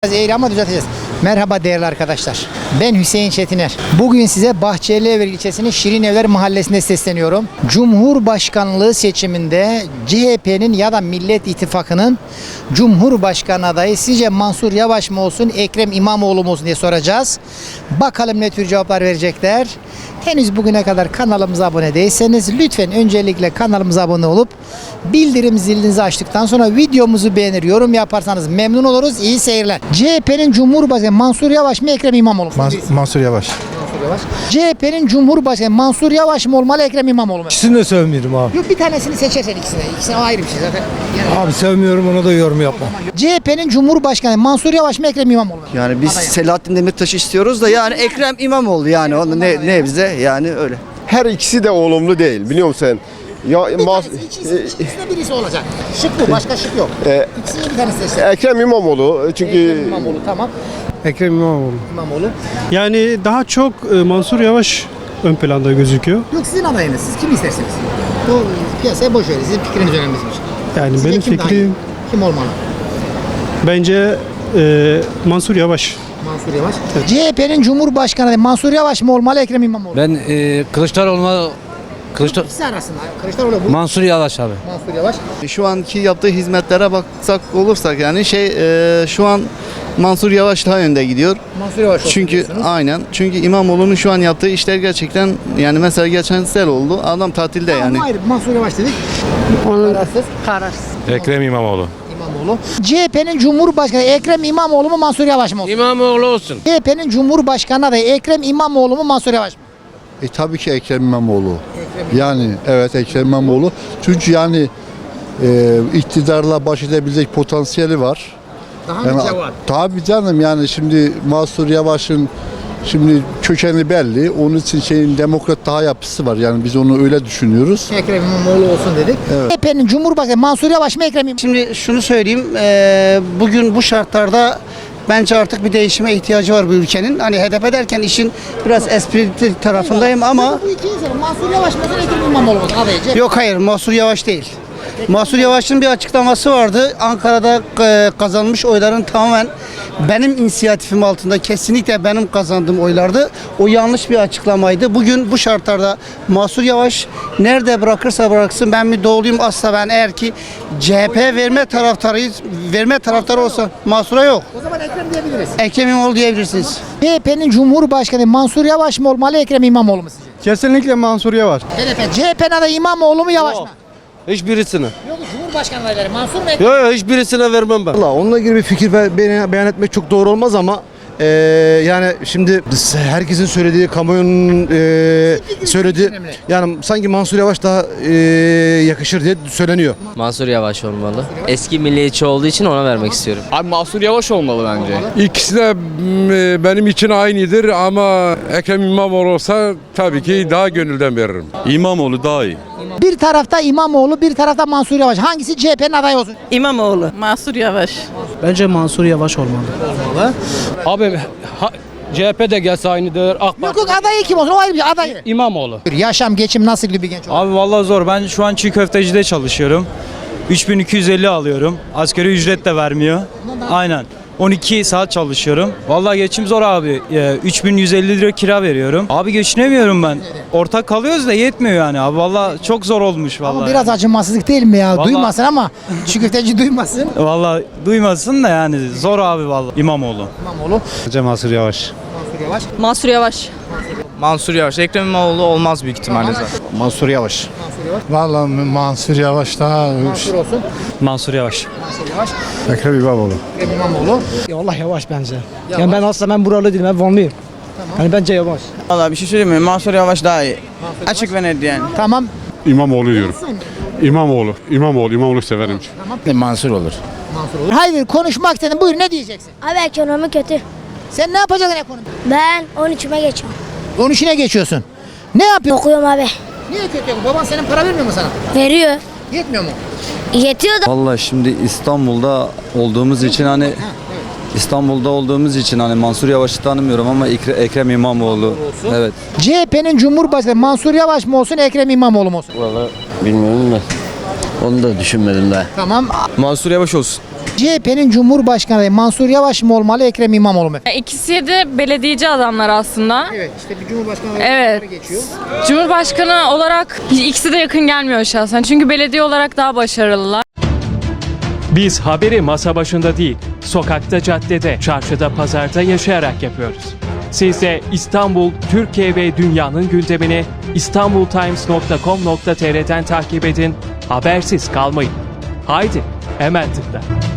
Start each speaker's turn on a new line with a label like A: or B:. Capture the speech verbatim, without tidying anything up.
A: Eğri ama düzelteceğiz. Merhaba değerli arkadaşlar. Ben Hüseyin Çetiner. Bugün size Bahçelievler ilçesinin Şirinevler mahallesinde sesleniyorum. Cumhurbaşkanlığı seçiminde C H P'nin ya da Millet İttifakı'nın Cumhurbaşkanı adayı sizce Mansur Yavaş mı olsun, Ekrem İmamoğlu mu olsun diye soracağız. Bakalım ne tür cevaplar verecekler. Henüz bugüne kadar kanalımıza abone değilseniz lütfen öncelikle kanalımıza abone olup bildirim zilinizi açtıktan sonra videomuzu beğenir, yorum yaparsanız memnun oluruz. İyi seyirler. C H P'nin Cumhurbaşkanı Mansur Yavaş mı, Ekrem İmamoğlu mu?
B: Mans Mansur Yavaş.
A: Mansur Yavaş. C H P'nin Cumhurbaşkanı Mansur Yavaş mı olmalı, Ekrem İmamoğlu mu?
B: İkisini de sevmiyorum abi.
A: Yok, bir tanesini seçersen ikisine. İkisine ayrı bir şey zaten. Yani
B: Abi sevmiyorum, ona da yorum yapma.
A: C H P'nin Cumhurbaşkanı Mansur Yavaş mı, Ekrem İmamoğlu mu?
C: Yani biz
A: Adaya.
C: Selahattin Demirtaş'ı istiyoruz da yani Ekrem İmamoğlu yani onu ne ne bize yani öyle.
D: Her ikisi de olumlu değil, biliyor musun sen? Ya
A: Bir
D: mas-
A: tanesi, ikisi, ikisinde birisi olacak. Şık bu, başka şık yok.
D: e,
A: İkisini bir tanesi seçsin.
D: Ekrem İmamoğlu çünkü
A: Ekrem İmamoğlu, tamam.
B: Ekrem İmamoğlu.
A: İmamoğlu.
E: Yani daha çok e, Mansur Yavaş ön planda gözüküyor.
A: Yok, sizin adayınız. Siz kim istersiniz? Bu piyasaya boş verin. Sizin fikriniz önemliymiş.
E: Yani
A: Sizce
E: benim
A: kim daha iyi?
E: fikrim
A: Kim olmalı?
E: bence e, Mansur Yavaş.
A: Mansur Yavaş. C H P'nin Cumhurbaşkanı Mansur Yavaş mı olmalı, Ekrem İmamoğlu?
F: Ben e, Kılıçdaroğlu'na Kılıçdar
A: İkisi arasında. Kılıçdaroğlu bu.
F: Mansur Yavaş abi.
A: Mansur Yavaş.
C: Şu anki yaptığı hizmetlere baksak olursak yani şey e, şu an Mansur Yavaş daha önde gidiyor.
A: Mansur Yavaş olsun
C: Çünkü
A: diyorsunuz.
C: aynen. Çünkü İmamoğlu'nun şu an yaptığı işler gerçekten yani mesela geçen sel oldu. Adam tatilde
A: Tamam,
C: yani.
A: hayır, Mansur Yavaş dedik. Kararsız. Kararsız.
G: Ekrem İmamoğlu.
A: İmamoğlu. C H P'nin Cumhurbaşkanı Ekrem İmamoğlu mu, Mansur Yavaş mı olsun?
G: İmamoğlu olsun.
A: C H P'nin Cumhurbaşkanı adayı Ekrem İmamoğlu mu, Mansur Yavaş mı?
H: E tabii ki Ekrem İmamoğlu. Yani evet Ekrem İmamoğlu. Çünkü yani e, iktidarla baş edebilecek potansiyeli var.
A: Daha
H: Yani,
A: mı cevap?
H: tabii canım, yani şimdi Mansur Yavaş'ın şimdi kökeni belli. Onun için şeyin demokrat daha yapısı var. Yani biz onu öyle düşünüyoruz.
A: Ekrem İmamoğlu olsun dedik. C H P'nin Cumhurbaşkanı Mansur Yavaş mı, Ekrem İmamoğlu?
I: Şimdi şunu söyleyeyim, eee, bugün bu şartlarda bence artık bir değişime ihtiyacı var bu ülkenin. Hani H D P derken işin biraz esprili tarafındayım ama
A: Bu iki insan Mansur Yavaş mı, Ekrem İmamoğlu mu? Adayı C H P.
I: yok, hayır, Mansur Yavaş değil. Mansur Yavaş'ın bir açıklaması vardı. Ankara'da eee, kazanmış oyların tamamen benim inisiyatifim altında, kesinlikle benim kazandığım oylardı. O yanlış bir açıklamaydı. Bugün bu şartlarda Mansur Yavaş nerede bırakırsa bıraksın, ben bir doğuluyum asla, ben eğer ki C H P verme taraftarıyız, verme taraftarı olsa Mansur'a yok.
A: O zaman Ekrem diyebiliriz.
I: Ekrem İmamoğlu diyebilirsiniz.
A: C H P'nin Cumhurbaşkanı Mansur Yavaş mı olmalı, Ekrem İmamoğlu mu sizce?
B: Kesinlikle Mansur Yavaş.
A: H D P. C H P'nin adayı İmamoğlu mu, Yavaş mı?
G: Hiçbirisine.
A: Yok, Cumhurbaşkanı adayları Mansur mu, Ekrem?
G: Yok yok hiçbirisine vermem ben.
B: Valla onunla ilgili bir fikir be- beyan, beyan etmek çok doğru olmaz ama eee, yani şimdi biz- herkesin söylediği, kamuoyunun eee, söylediği,
A: önemli.
B: yani sanki Mansur Yavaş daha eee, yakışır diye söyleniyor.
J: Mansur Yavaş olmalı. Eski milliyetçi olduğu için ona vermek istiyorum.
K: Abi Mansur Yavaş olmalı bence.
G: İkisi de m, benim için aynıdır ama Ekrem İmamoğlu olsa tabii ki daha gönülden veririm. İmamoğlu daha iyi.
A: Bir tarafta İmamoğlu, bir tarafta Mansur Yavaş. Hangisi C H P'nin adayı olsun?
I: İmamoğlu.
L: Mansur Yavaş.
E: Bence Mansur Yavaş olmalı.
K: Abi ha, C H P de gelse aynıdır. AK
A: Yok yok, adayı kim olsun? O ayrı bir şey, adayı.
K: İmamoğlu.
A: Yaşam, geçim nasıl bir genç olur?
E: Abi vallahi zor. Ben şu an çiğ köftecide çalışıyorum. üç bin iki yüz elli alıyorum. Asgari ücret de vermiyor. Aynen. on iki saat çalışıyorum. Vallahi geçim zor abi. Ee, üç bin yüz elli lira kira veriyorum. Abi geçinemiyorum ben. Ortak kalıyoruz da yetmiyor yani abi. Vallahi çok zor olmuş vallahi.
A: Ama biraz acımasızlık değil mi ya?
E: Vallahi-
A: Duymasın ama çiğ köfteci duymasın.
E: Vallahi duymasın da yani zor abi vallahi. İmamoğlu.
A: İmamoğlu,
B: Bence Mansur Yavaş.
A: Mansur Yavaş.
L: Mansur Yavaş.
K: Mansur Yavaş. Ekrem İmamoğlu olmaz büyük ihtimalle zaten.
B: Mansur Yavaş.
A: Mansur Yavaş.
B: Valla Mansur Yavaş daha
A: Mansur olsun.
E: Mansur Yavaş.
A: Mansur Yavaş.
B: Ekrem İmamoğlu.
A: Ekrem İmamoğlu.
I: Ya Allah Yavaş bence.
A: Yavaş.
I: Yani ben aslında ben buralı değilim, ben Vanlıyım. Hani bence Yavaş.
K: Valla bir şey söyleyeyim mi? Mansur Yavaş daha iyi. Açık ve net yani.
A: Tamam.
G: İmamoğlu diyorum. İmamoğlu. İmamoğlu. İmamoğlu severim.
B: Mansur olur.
A: Mansur olur. Hayır, konuşmak istedim. Buyur, ne diyeceksin?
M: Abi ekonomi kötü.
A: Sen ne yapacaksın ekonomi?
M: Ben on üçüme geçiyorum.
A: on üçüne geçiyorsun. Ne yapıyorsun?
M: Okuyorum abi.
A: Niye kötü? Baban senin para vermiyor mu sana?
M: Veriyor.
A: Yetmiyor mu?
M: Yetiyor da.
C: Vallahi şimdi İstanbul'da olduğumuz için hani İstanbul'da olduğumuz için hani Mansur Yavaş'ı tanımıyorum ama Ekre- Ekrem İmamoğlu. Evet.
A: C H P'nin Cumhurbaşkanı Mansur Yavaş mı olsun, Ekrem İmamoğlu mu olsun?
F: Vallahi bilmiyorum da onu da düşünmedim daha.
A: Tamam.
K: Mansur Yavaş olsun.
A: C H P'nin Cumhurbaşkanı adayı Mansur Yavaş mı olmalı, Ekrem İmamoğlu mu?
L: İkisi de belediyeci adamlar aslında.
A: Evet, işte bir Cumhurbaşkanı
L: Evet.
A: geçiyor.
L: Cumhurbaşkanı olarak ikisi de yakın gelmiyor şahsen. Çünkü belediye olarak daha başarılılar.
N: Biz haberi masa başında değil, sokakta, caddede, çarşıda, pazarda yaşayarak yapıyoruz. Siz de İstanbul, Türkiye ve dünyanın gündemini istanbultimes nokta com nokta tr'den takip edin, habersiz kalmayın. Haydi, hemen tıkla.